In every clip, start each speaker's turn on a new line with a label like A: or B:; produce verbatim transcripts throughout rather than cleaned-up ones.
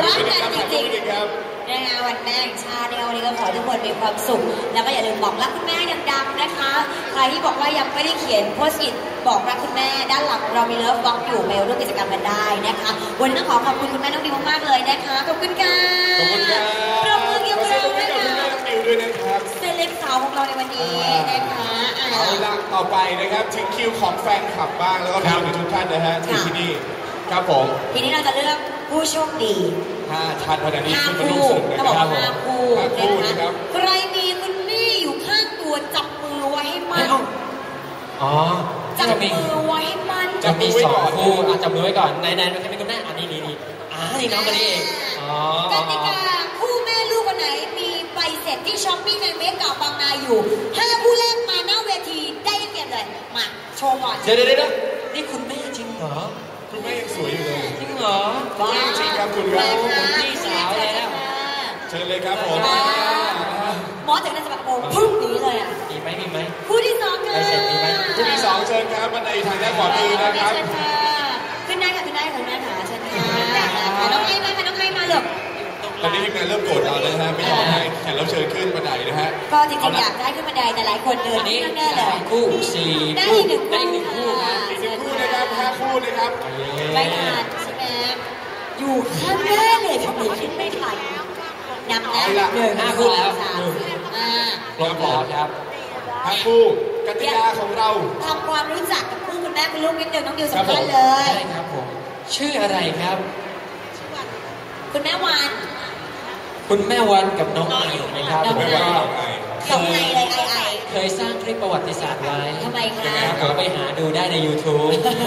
A: รักกันจริงๆนะคะวันแม่แห่งชาติเนี่ยวันนี้ก็ขอให้ทุกคนมีความสุขแล้วก็อย่าลืมบอกรักคุณแม่ดังๆนะคะใครที่บอกว่ายังไม่ได้เขียนโพสต์อิทบอกรักคุณแม่ด้านหลังเรามีเลิฟบล็อกอยู่ไปร่วมกิจกรรมกันได้นะคะวันนี้ต้องขอขอบคุณคุณแม่น้องดิวมากๆเลยนะคะขอบคุณค่ะ
B: ขอบคุณครับ
A: ปรบมือเกี่ยวกับเราด้วยนะ
B: ด้วยนะครับ
A: เซเลบสาวของเราในวันนี้นะคะ
B: เอาละต่อไปนะครับถึงคิวของแฟนคลับบ้างแล้วก็คิวของทุกท่านนะฮะที่นี่ครับผม
A: ทีนี้เราจะเลือกผู้โชคดี
B: ห้าท่านวันนี้
A: ขึ้น
B: มาร่วมสนุกนะครับ
A: ห้าคู่นะครับใครมีคุณแม่อยู่ข้างตัวจับมือไว้ให้มั่น
C: อ๋อ
A: จับมือไว้ให้มั่น
C: จะมีสองคู่จับมือไว้ก่อนในในใครเป็นคุณแม่อันนี้นี่นี่อ่านี่น้องคนนี้เองอ๋อก
A: ติกาคู่แม่ลูกคนไหนมีใบเสร็จที่ช้อปปี้ในเมกะบางนาอยู่ห้าคู่แรกมาหน้าเวทีได้เปรียบเลยมาโชว์ก่อน
C: เดี๋ยวเดี๋ยวเดี๋ยวนี่คุณแม่จริงเหรอ
B: คุณแม่ยังสวยอยู่เลย
C: จริงเหรอ
B: จริงครับคุณครับ
C: คุณพี่สาวแล้ว
B: เชิญเลยครับผม
A: หมอจากนั้นจะแบบโอ้พึ่งนี้เลยอ่ะ
C: มีไหมมีไหม
A: คู่ที่สองค่ะ
B: คู่ที่สองเชิญครับบันไดทางด้านขวามือนะครับ
A: ขึ้นได้ค่ะขึ้นได้ค่ะแม่ขาเชิญค่ะน้องไอ้มาค่ะน้องไอ้มาเลย
B: ตอนนี้ทีมงานเริ่มโกรธเราแล้วนะฮะไม่ยอมให้แขกรับเชิญขึ้นบันไดนะฮะ
A: ก็จริงๆอยากได้ขึ้นบันไดแต่หลายคนเดิน
C: นี่
A: แน่เลย
C: คู่สี่
A: ได้หนึ่ง
C: ได้หนึ่งคู่
B: ครับอีกหนึ่งคู่นะครับห้าคู่นะครับ
A: ไม่ทันใช่ไหมอยู่ข้างหน้าเลยทำไมขึ้นไม่ทันนับแล้วหนึ่ง
C: ห้าคู่แล้ว
A: สามห้า
C: ครบแล้วครับ
B: ห้าคู่กติกาของเรา
A: ทำความรู้จักกับคู่คุณแม่คุณลูกนิดเดียวน้องดิวสำคัญเลย
C: ใช่ครับผมชื่ออะไรครับ
A: คุณแม่วัน
C: คุณแม่วันกับน้องไอนะครับ
A: น้องไอสองไอเลยไอไอ
C: เคยสร้างคลิปประวัติศาสตร์ไว้
A: ทำไมคะ
C: ขอไปหาดูได้ใน ยูทูบ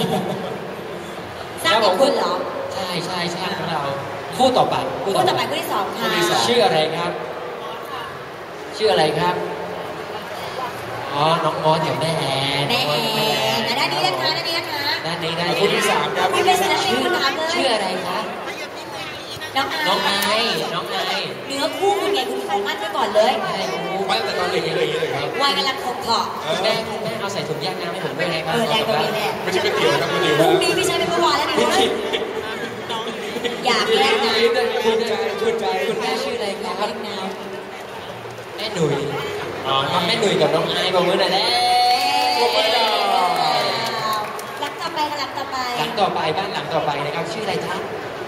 A: สร้างเป็นคุณเหรอ
C: ใช่ใช่ใช่ของเราคู่ต่อไป
A: คู่ต่อไปคู่ที่สองค่ะ
C: ชื่ออะไรครับชื่ออะไรครับอ๋อน้องมอสกับแม่แอน
A: แม่แอนด้านนี้นะคะด้านนี้นะคะ
C: ด้านนี้ได้
B: คู่ที่สามครับ
A: คุณเป็นศิลปินคุณถามเลย
C: ชื่ออะไรคะ
A: น้องไอ
C: น้องไอน้องไอ
A: เนื้อคู่คุณไงคุณขอมั่นไว้ก่อนเลย
B: มั่นแต่ตอนเด็กๆเลยเลยครับ
A: วัยกำลังคงเพาะ
C: คุณแม่คุณแม่เอาใส่ถุงยางน้ำให้ผมด้วยนะครับ
A: เออแรงตรงนี้แม่
B: ไม่ใช่ก๋วยเตี๋ยวครับคุณดิว
A: พรุ่งนี้พี่ใช้เป็นเมื่อวานแล้วนี่อยากแลกนะ
C: คุณใจคุณใจคุณแม่ชื่ออะไรครับแม่หนุ่ยอ๋อแม่หนุ่ยกับน้องไอบอกมือหน่อยแล้ว
A: หลังต่อไปหลังต่อไป
C: หลังต่อไปบ้านหลังต่อไปนะครับชื่ออะไรครับ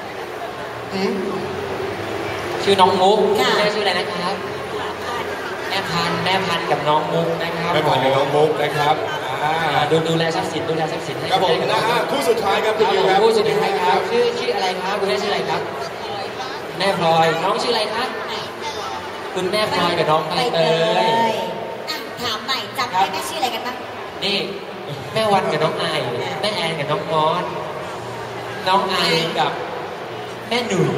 C: ชื่อน้องมุกแม่ชื่ออะไรนะครับแม่พันแม่พันกับน้องมุกนะครับ
B: แม่พันกับน้องมุกนะครับ
C: ดูดูแลทรัพย์สินดูแลทรัพย์สินให้
B: ครับผมนะฮะคู่สุดท้ายครับคุณดิวครับ
C: คู่สุดท้ายครับชื่อชื่ออะไรครับคุณแม่ชื่ออะไรครับแม่พลอยน้องชื่ออะไรครับคุณแม่พลอยกับน้องใบเตย
A: ถามใหม่จำได้แม่ชื่ออะไรกันบ้าง
C: นี่แม่วันกับน้องไอแม่แอนกับน้องมอสน้องไอกับแม่หนุ่ย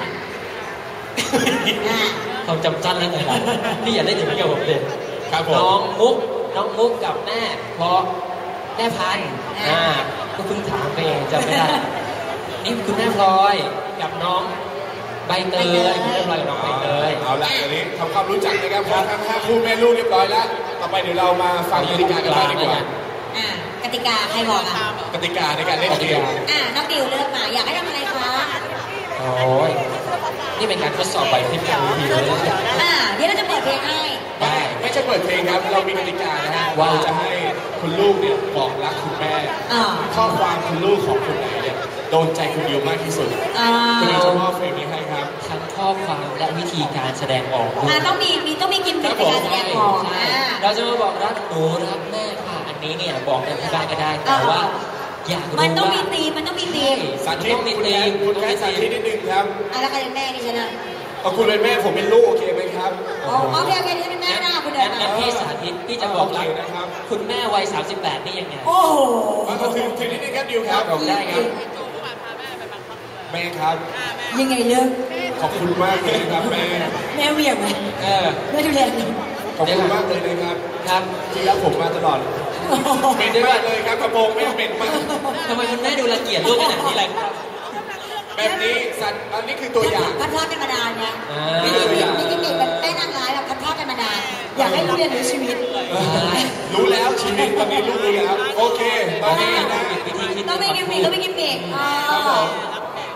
C: ความจำสั้นแล้วไงล่ะพี่อย่าได้ถึงเกี่ยวกับเด็กน้องมุกน้องมุกกับแม่เพราะแม่พันอ่าก็เพิ่งถามไปเองจำไม่ได้นี่คุณแม่พลอยกับน้องใบเตยคุณแม่พลอยกับน้องใบเตย
B: เอาละอันนี้ทำความรู้จักนะครับพอทั้งห้าคู่แม่ลูกเรียบร้อยแล้วต่อไปเดี๋ยวเรามาฟังกติกากันบ้างดีกว่
A: ากติกาใครบอกอ่ะ
B: กติกาในการเล่นเกม
A: อ่าน้องดิวเลือกมาอยากให้ทำอะไรคะ
C: โอ้ยนี่เป็นการทดสอบใบที่ไม่รู้ดีเลย
A: อ่าเดี๋ยวเราจะเปิดเพลงให้
B: ได้ไม่ใช่เปิดเพลงครับเรามีกติกานะฮะว่าจะให้คุณลูกเนี่ยบอกรักคุณแม่ข้อความคุณลูกของคุณไหนเนี่ยโดนใจคุณดิวมากที่สุดคุณดิวจะมอบเพลงนี้ให้ครับ
C: ทั้งข้อความและวิธีการแสดงออก
A: อ่าต้องมีมีต้องมีกิมมิคในการแสดงออก
C: เราจะมาบอกรักหนูรักแม่ค่ะอันนี้เนี่ยบอกในที่บ้านก็ได้แต่ว่าอยากรู้ว่า
A: มันต้องมีตีมันต้องมีตี
B: สาธิตต้องมีตีคุณแม่สาธิตนิดนึงครับ
A: อ่ะแล้วใครเป็นแม่นี่ฉันอ่ะ
B: เอาคุณเป็นแม่ผมเป็นลูกโอเคไหมครับ
A: โอเคโอเคที่เป็นแม่นะคุณเดิน
C: มาพี่สาธิตพี่จะบอกรักนะครับคุณแม่วัยสามสิบแปดนี่ยังไง
A: โอ้โห
B: มาถึงถึงนิดนึงครับดิวครับ
C: บอกได้ครับ
B: แม่ครับ
A: ยังไงเลิก
B: ขอบคุณมากเลยครับแม่
A: แม่เวียงไหม
C: เออ
A: แม่ดูแล
B: ขอบคุณมากเลยนะครับ
C: ครับ
B: ที่รักผมมาตลอดเป็นมากเลยครับกระโปรงไม่เป็นมาก
C: ทำไมคุณแม่ดูละเกียดลูกขนาดนี้เลยครับ
B: แบบนี้สัตว์อันนี้คือตัวอย่าง
A: พัดทอดกันมานานไงนี่คือตัวอย่างนี่คือแบบแม่นางร้ายแบบพัดทอดกันมานานอยากให้ลูกเรียนรู้ชีวิต
B: รู้แล้วชีวิตตอนนี้ลูกรู้แล้วโอเคตอนนี้นะ
A: ต้องไม่กินเบรกต้องไม่กินเบรก
B: ครับผมพ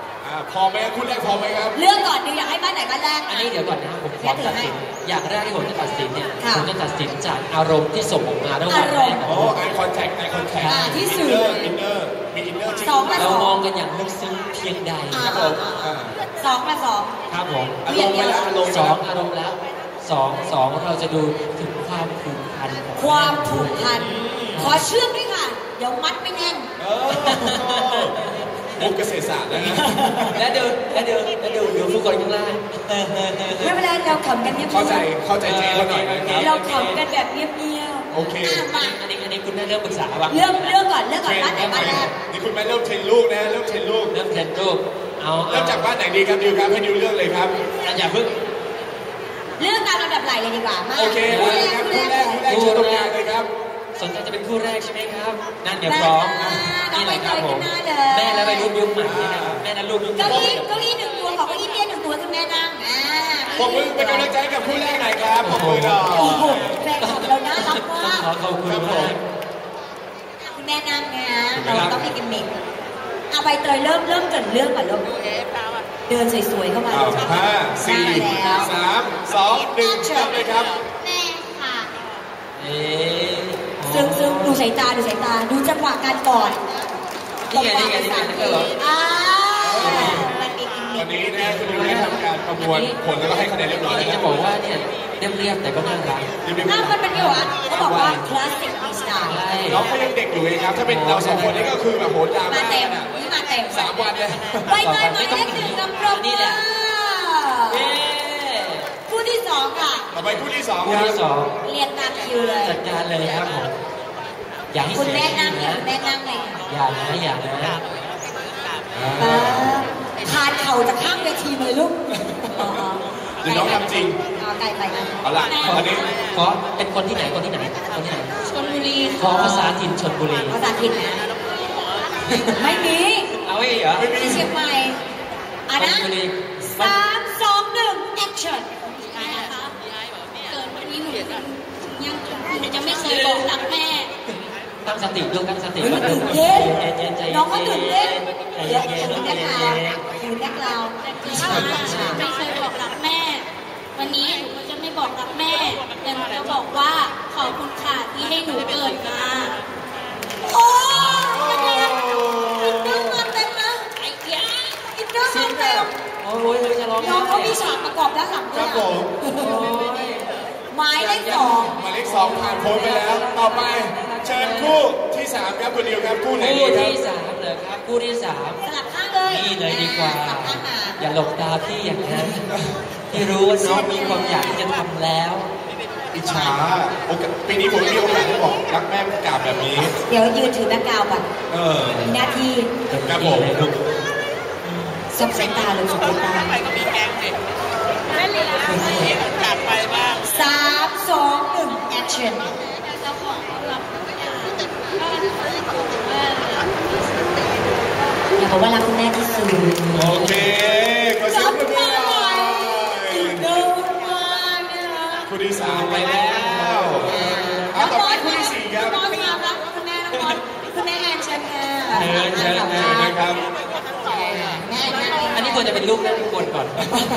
B: พอไหมคู่แรกพอไหมครับ
A: เลือกก่อนดิอยากให้บ้านไหนบ้านแรก
C: อันนี้เดี๋ยวก่อนนะผมขอตัดสินอย่างแรกที่ผมจะตัดสินเนี่ยผมจะตัดสินจากอารมณ์ที่ส่งออกมาระหว่างแม่กับ
B: ลูก eye contact eye contact
A: ที่สื่อ
B: อินเนอร์มีอินเนอร์จริง
C: เรามองกันอย่างลึกซึ้งเพียงใด
B: ครับผม
A: สองมาสอง
C: ครับผม
B: อารมณ์แล้วอารมณ์
C: สองอารมณ์แล้วสองสองเราจะดูถึงความผูกพัน
A: ความผูกพันขอเชื่อมด้วยค่ะเดี๋ยวมัดไม่แน่น
B: มุกเกษตรศาสตร์แล้วนะ
C: แล้วดูแล้วดูแล้วดูดูผู้คนข้างล่าง
A: ไม่เป็นไรเราขำกันเงียบๆ
B: เข้าใจเข้าใจเจ๊เขาหน่อยนะครับ
A: เราขำกันแบบเงียบ
B: ๆโอเค
C: อันนี้อันนี้คุณแม่เริ่มปรึกษาบ้าง
A: เรื่องเรื่องก่อนเรื่องก่อนบ้านไหนบ้านแรก
B: นี่คุณแม่เริ่มเทรนลูกนะเริ่มเทรนลูก
C: เริ่มเทรนลูกเอา
B: เริ่มจากบ้านไหนดีครับดิวครับให้ดิวเลือกเลยครับ
C: อย่าเพิ่ง
A: เรื่องตามลำดับไหลเลยดีกว่ามา
B: โอเคคู่แรกคู่แรกคู่แรกชื่อตรงกลางเลยครับ
C: สนใจจะเป็นคู่แรกใช่ไหมครับนั่นเดี๋ยวพร้อมนี่แหละครับผมแม่และวัยรุ่นยุคใหม่นี่นะครับแม่และลูกยุคใหม่
A: เก้าอี้เก้าอี้หนึ่งตัวของเก้าอี้เตี้ยหนึ่งตัวคุณแม่นั่งอ่า
B: ผมมือเป็นกำลังใจกับคู่แรกหน่อยครับผมมือดอก
A: โอ้โหแฟนคลับเราน่ารักมาก
C: ขอขอบคุณครับ
A: คุณแม่นั่งนะเราต้องมีกิมมิคเอาใบเตยเริ่มเริ่มเกิดเรื่องก่อนลูกเดินสวยๆเข้ามา
B: ห้าสี่สามสองหนึ่งเริ่มเลยครับ
A: แม่ค่ะซึ่งซึ่งดูสายตาดูสายตาดูจังหวะการกอด
C: นี่ไงนี่ไงนี่ไงนี่เหรอ
B: วันนี้นะคุณดิวได้ทำการประมวลผลแล้วก็ให้คะแนนเรียบร้อยแล้ว
C: จะบอกว่าเนี่ยเรียบๆแต่ก็น่ารัก
A: น่ามันเป็นยังไงวะเขาบอกว่าคลาสสิกมีสไตล์
B: น้องเขายังเด็กอยู่เองครับถ้าเป็นเราสองคนนี้ก็คือแบบโหดราม่า
A: มาเต็มนี่มาเต็ม
B: สามวันเลย
A: ไปเตยมาเลขหนึ่งกับปรบมือคู่ที่สองค่ะ
B: ต่อไปคู่ที่สอง
C: คู่ที่สอง
A: เรียนตามคิวเลย
C: จัดการเลยครับผมอย่าให้
A: คุณแม่นั่งคุณแม่นั่งเลย
C: อย่านะอย่านะ
A: ทานเข่าจากข้างเวทีเลยลูก
B: เดี๋ยวน้องทำจริง
A: ไกลไปนะ
B: เอาล่ะอันนี้
C: ขอเป็นคนที่ไหนคนที่ไหนคนที่ไหน
A: ชลบุรี
C: ขอภาษาถิ่นชลบุรี
A: ภาษาถิ่นนะไม่มี
C: เอาไว้เหรอ
A: ไม่มีเชียงใหม่อ่ะนะสามสองหนึ่งแอคชั่น
D: เกิดวันนี้หนูยังยังไม่เคยบอกรักแม่
C: ตั้งสติลูกตั้งสติ
A: ก่อนตื่นเต้นน้องก็ตื่นเต้นเดี๋ยวคุณแม่เราคุณแม่เรา
D: ไม่เคยบอกรักแม่วันนี้หนูก็จะไม่บอกรักแม่แต่หนูจะบอกว่าขอบคุณค่ะที่ให้หนูเกิดมา
A: โอ้ยอินเนอร์มาเต็มนะ
D: ไอ้เหี้ย
A: อินเนอร์มาเต็ม
C: โอ้ยจะร้อง
A: น้องเขามีฉากประกอบด้านหลังด้วยหมายเลขสอง
B: หมายเลขสองผ่านพ้นไปแล้วต่อไปเชิญคู่ที่สามครับคุณดิวครับคู่ไหนดีครับ
C: คู่ที่สามเลยครับคู่ที่สาม
A: สลับข้างเลย
C: นี่เลยดีกว่าอย่าหลบตาพี่อย่างนั้นที่รู้ว่าน้องมีความอยากที่จะทำแล้ว
B: อิจฉาโอกาสปีนี้ผมมีโอกาสได้บอกรักแม่กราบแบบนี้
A: เดี๋ยวยืนถือแบงค์กาวก่อน
B: เออ
A: มีหน้าที่
B: ครับผม
A: สับสายตาเลยสับสายตา
D: ไปก็มีแกงเด็กไม่เลยกลับไปบ้าง
A: สามสองหนึ่งแอคชั่นอยากบอกว่ารักคุณแม่ที่สุด
B: โอเคก็เสียงปรบมือหน่อยคู่ที่สามไปแล้วเอาต่อไปคู่ที่สี่ครับ
A: น้องมารักคุณแม่น้องบอลคุณแม่แอนเชิญค่ะ
B: เชิญเชิญนะครับ
C: อันนี้ควรจะเป็นลูกแม่ทุกคนก่อน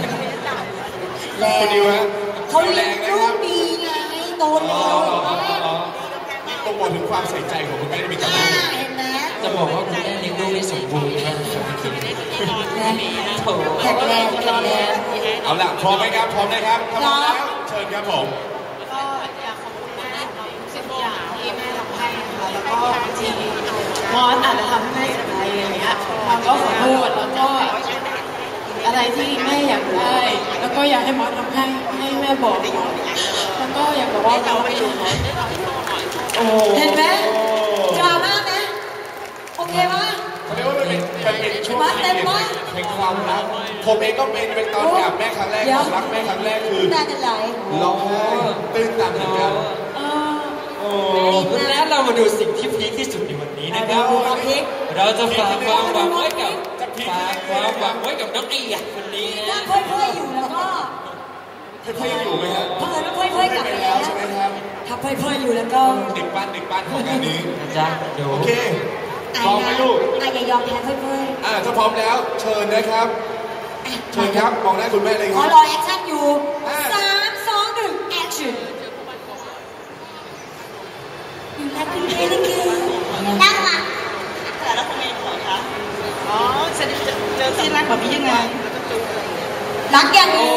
B: คุณดิวฮะ
A: เขาเลี้ยงลูกดีไงโตเร็ว
B: ต้องบอกถึงความใส่ใจของคุณแม่ที่มีกับลูก
C: จะบอกว่าคุณแม่เลี้ยงลูกได้สมบูรณ์มากครับพี่คิด
A: แข็งแรงแข็งแรง
B: เอาล่ะพร้อมไหมครับพร้อมนะครับพร้อมแล้วเชิญครับผม
D: ก็อยากขอบคุณแม่ของสิ่งอย่างที่แม่ทำให้ค่ะแล้วก็ที่มอสอาจจะทำให้แม่เสียใจอย่างเงี้ยเราก็ขอโทษแล้วก็อะไรที่แม่อยากได้แล้วก็อยากให้มอสทำให้ให้แม่บอกแล้วก็อยากบอกว่าเราไม่ถูก
A: เห็นไหมดราม่าไหมโอเคปะ
B: เขาเรียกว่ามันเป็นมันเป็นช่วงที่เป็นเป็นความรักผมเองก็เป็นเป็นตอนกับแม่ครั้งแรกรักแม่ครั้งแรกคือ
A: น้ำตาจะไหล
B: ร้องไห้ตื้นตันเหมือนกัน
C: แล้วเรามาดูสิ่งที่พีคที่สุดในวันนี้นะครับเราจะฝากความหวังไว้กับฝากความหวังไว้กับน้องไอ้ยักษ์คนนี้
A: นะถ้าเพื่อนๆอยู่แล้วก็
B: เพื่อนๆอยู่ไหมครับ
A: เพื่อนๆเพื่อนๆกลับไปแล้ว
B: ใช่ไหมครับ
A: ถ้าเพื่อนๆอยู่แล้วก็
B: เด็กบ้านเด็กบ้านของงานนี้
C: นะจ๊ะ
B: โอเคพร้อมไหมลูก
A: อ่ะอย่ายอมแพ้เพื่อน
B: อ่าถ้าพร้อมแล้วเชิญนะครับเชิญครับมองหน้าคุณแม่เลย
A: ๆ
B: ค
A: ขอ
B: รับ
A: รอแอคชั่นอยู่สามสองหนึ่งแอคชั่นอยู่รักคุณแม่เลยค่ะรักอ่ะ
D: แต่แล้วทำไมขอคะอ๋อเสร็จเจอที่รักแบบนี้ยังไง
A: รักอย่างนี้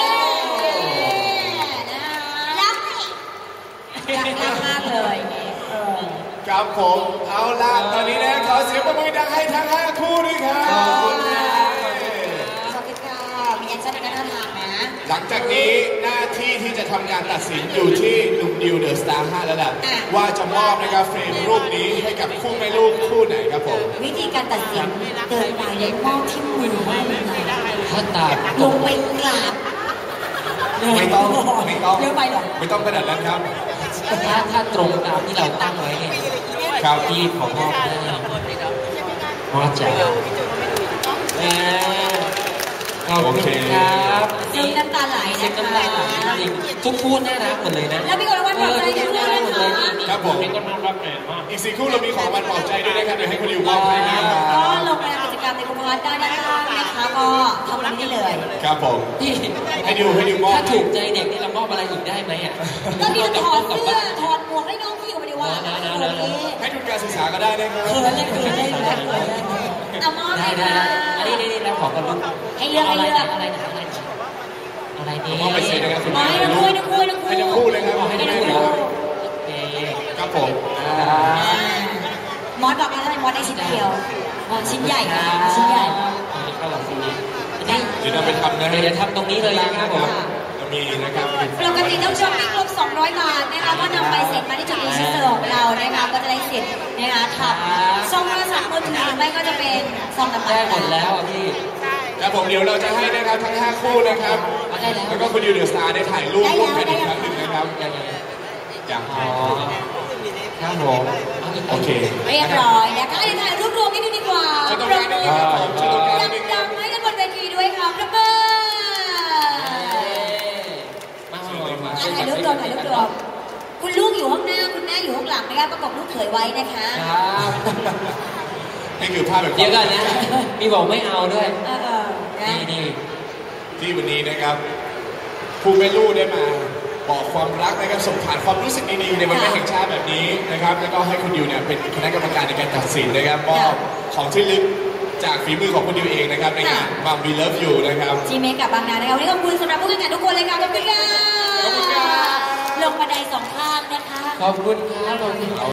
A: รักรักรักมากเลยเออ
B: ครับผมเอาล่ะตอนนี้นะขอเสียงปรบมือดังให้ทั้งห้าคู่ด้วยครับ
A: ขอบคุณค่ะขอบคุณค่ะมีแอคชั่นในการทางนะ
B: หลังจากนี้หน้าที่ที่จะทำการตัดสินอยู่ที่หนุ่มดิวเดอะสตาร์ห้าแล้วล่ะว่าจะมอบนะครับเฟรมรูปนี้ให้กับคู่แม่ลูกคู่ไหนครับผม
A: วิธีการตัดสินเดินไปแล้วมอบที่มือให้เลยนะ
C: ถ้าตา
A: ลงไปกราบ
B: ไม่ต้องไม่ต้อง
A: เยอะไปหรอ
B: ไม่ต้องขนาดนั้นครับ
C: ถ้าถ้าตรงตามที่เราตั้งไว้เนี่ย
B: ครับ
C: พี่ขอมอบให้มอบจ๋าเออขอบคุณครับ
A: ซึ้งน้ำตาไหล
C: เช็ค
A: นะ
C: น้ำลายไหล
A: คะ
C: จริงๆทุกคู่น่ารักหมดเลยนะ
A: แล้วมีคนรางวัลปลอบใจ
C: ทุ
A: ด้
C: ก
A: วย
C: คู่น่ารักหมดเลย
A: นะคะ
C: นี่
B: ครับผม
C: นี่ก็น่ารักแหมมาก
B: อีกสี่คู่เรามีของรางวัลปลอบใจด้วยนะครับเดี๋ยวให้คุณดิวมอบให้นะค
A: ก็
B: รับ
A: ลงไปทำกิจกรรมในกลุ่มพาร์ทได้นะคะนะคะก็ทำตรงนี้ได้เลย
B: ครับผม
C: พี่
B: ให้ดิวให้ดิวมอบ
C: ถ้าถูกใจเด็กนี่เรามอบอะไรอีกได้ไหมอ่ะ
A: ก็มีถอด
C: กลับ
A: เสื้อ
C: บ้าน
A: ถอดหมวกให้น้องพี่ออกมาดีว่า
C: นะนะ
A: โอ
C: นะ
A: เค
B: ให้ทุนการศึกษาก็ได้นะครับ
A: เขินเลยเขินเลยเขินเลยเอามอบ
C: ได้
A: ให้
C: ได้
A: ค่ะ
C: อันนี้นี่นี่เราขอกันลูก
A: ให้เลือกให้เลือก
C: อะไรนะอะไรนะอะไรนี่
B: มอบไปเสร็จนะครับคุณ
A: มา
B: แม่
A: ให้ทั้งคู่ให้ทั้งคู่ให้ทั้งคู่
B: ให้ทั้งคู่เลยครับ
C: ให้
B: ให้
C: ได้
B: ทั้ง
C: ดู
B: คู่
C: แล้
B: เล
C: วย
B: ครับ
C: โอเค
B: ครับผม
C: อ่า
A: มอสบอกว่าทำไมมอสได้ชิ้นเดียวอ๋อชิ้นใหญ่ค่ะชิ้นใหญ่
C: อันนี้เข้าหลังซีนี้
B: เดี๋ยวเราไปทำนะ
C: เดี๋ยวทำตรงนี้เลยนะครับผม
B: จะมีนะครับ
A: ปกติต้องช้อปปิ้งครบสองร้อยบาทนะคะก็นำใบเสร็จมาที่จุดรีชิสเตอร์ของเรานะคะก็จะได้สิทธิ์นะคะทับซองโทรศัพท์มือถือหรือไม่ก็จะเป็นซองน้ำมัน
C: ได้หมดแล้วอ่ะพี่
B: ครับผมเดี๋ยวเราจะให้นะครับทั้งห้าคู่นะครับ
C: ได้แล้ว
B: แล้วก็คุณดิวเดอะสตาร์ได้ถ่ายรูปร่วมกันอีกครั้งหนึ่งนะครับ
C: ยังไง
B: อย่าง
C: อ๋อครับผมาอีก
B: โอเค
A: เรียบร้อยนะคะเดี๋ยวถ่ายรูปรวมนิดนึงดีกว่า
B: เชิญตรงกลางนิดนึงครับผมเชิญตรงกลางนิดนึงครับ
A: ดังๆให้กันบนเวทีด้วยค่ะประเบิด
C: มาเลยมา
A: อ่ะถ่ายรูปรวมถ่ายรูปรวมคุณลูกอยู่ข้างหน้าคุณแม่อยู่ข้างหลังนะคะประกบลูกเขยไว้นะคะ
C: ครับ
B: นี่คือภาพแบบ
C: เดี๋ยวก่อนนะมีบอกไม่เอาด้วย
A: เออเออนะ
C: นี่นี่
B: ที่วันนี้นะครับผู้แม่ลูกได้มาบอกความรักนะครับส่งผ่านความรู้สึกดีๆในวันแม่แห่งชาติแบบนี้นะครับแล้วก็ให้คุณดิวเนี่ยเป็นคณะกรรมการในการตัดสินนะครับมอบของที่ลึกจากฝีมือของคุณดิวเองนะครับในงาน Mom We Love You นะครับ
A: จีเมกับบางนานะคะวันนี้ขอบคุณสำหรับผู้แข่งขันทุกคนเลยค่ะขอบคุณค่ะ
B: ขอบคุณครับ
A: ลงบันไดสองข้างนะคะ
C: ขอบคุณครับขอบคุณ